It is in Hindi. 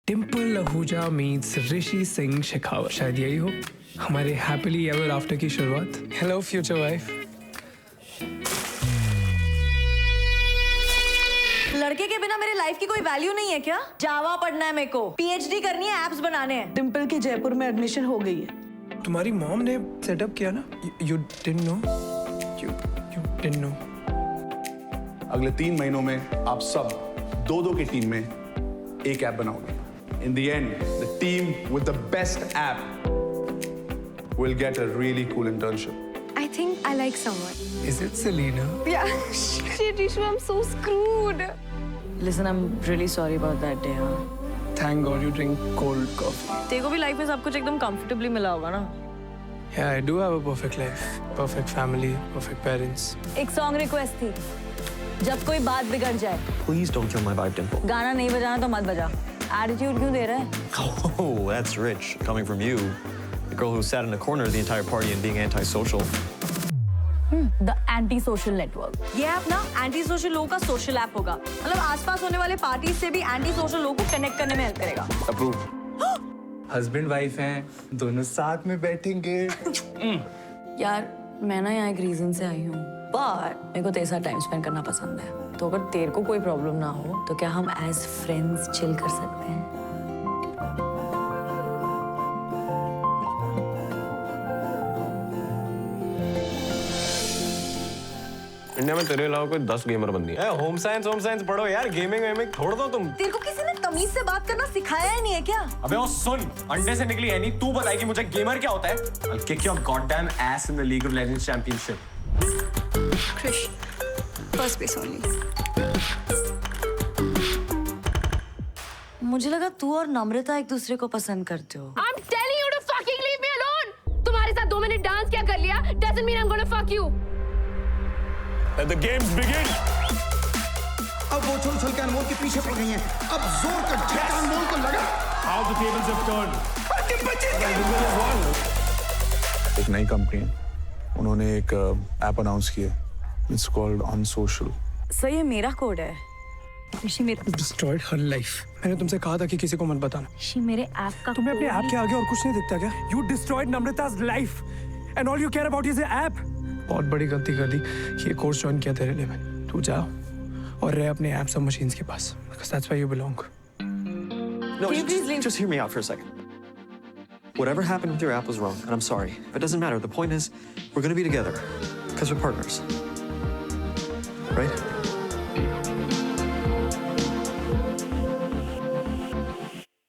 डिम्पल आहूजा मीट्स ऋषि सिंह शेखावत, शायद यही हो हमारे हैप्पीली एवर आफ्टर की शुरुआत। Hello future wife. लड़के के बिना मेरे लाइफ की कोई वैल्यू नहीं है क्या? जावा पढ़ना है मेरे को, पीएचडी करनी है, एप्स बनाने हैं। डिम्पल की जयपुर में एडमिशन हो गई है। तुम्हारी मॉम ने सेटअप किया ना? You didn't know? You didn't know? अगले 3 महीनों में आप सब दो की टीम में एक ऐप बनाओगे। In the end, the team with the best app will get a really cool internship. I think I like someone. Is it Selena? Yeah. Shit, Rishu, I'm so screwed. Listen, I'm really sorry about that day, हाँ। Thank God you drink cold coffee. तेरे को भी लाइफ में सब कुछ एकदम कंफर्टेबली मिला होगा ना? Yeah, I do have a perfect life, perfect family, perfect parents. एक सॉन्ग रिक्वेस्ट थी, जब कोई बात बिगड़ जाए। Please don't kill my vibe, Dimple. गाना नहीं बजाना तो मत बजा। एटीट्यूड क्यों दे रहा है? Oh, that's rich, coming from you. The girl who sat in the corner the entire party and being antisocial. The anti social network. ये ऐप ना एंटी सोशल लोगों का सोशल ऐप होगा। मतलब आसपास होने वाले पार्टी से भी एंटी सोशल लोगों को कनेक्ट करने में हेल्प करेगा। Approve. हस्बैंड वाइफ हैं, दोनों साथ में बैठेंगे। यार मैं ना यहाँ एक रीजन से आई हूँ, बट मेरे को तेरे साथ टाइम स्पेंड करना पसंद है। तो अगर तेरे को कोई प्रॉब्लम ना हो तो क्या हम एज फ्रेंड्स चिल कर सकते हैं? इंडिया में तेरे अलावा कोई 10 गेमर बंदी है। होम साइंस पढ़ो यार, गेमिंग वेमिंग छोड़ दो तुम। तेरे को किसी ने तमीज से बात करना सिखाया ही नहीं है क्या? अबे वो सुन, अंडे से निकली है नहीं, तू बताएगी मुझे गेमर क्या होता है? I'll kick your goddamn ass in the League of Legends Championship. Krish, first place only. मुझे लगा तू और नम्रता एक दूसरे को पसंद करते हो। I'm telling you to fucking leave me alone. तुम्हारे साथ 2 मिनट डांस क्या कर लिया? Doesn't mean I'm gonna fuck you. Let the games begin. अब वो उछल के अनमोल के पीछे पड़ गई हैं। अब जोर का झटका अनमोल को लगा। How the tables have turned. एक नई कंपनी है, उन्होंने एक ऐप अनाउंस किया। It's called Unsocial. सर ये मेरा कोड है। ऋषि मेरे Destroyed her life. मैंने तुमसे कहा था कि किसी को मत बताना। ऋषि मेरे ऐप का तुम्हें अपने ऐप के आगे और कुछ नहीं दिखता क्या? You destroyed Namrata's life, and all you care about is the app. बहुत बड़ी गलती कर दी। ये कोर्स ज्वाइन किया तेरे लिए मैंने। तू जा और रह अपने ऐप सब मशीन्स के पास, because that's where you belong. No, just hear me out for a second. Whatever happened with your app was wrong, and I'm sorry. But it doesn't matter. The point is, we're gonna be together, because we're partners. Right?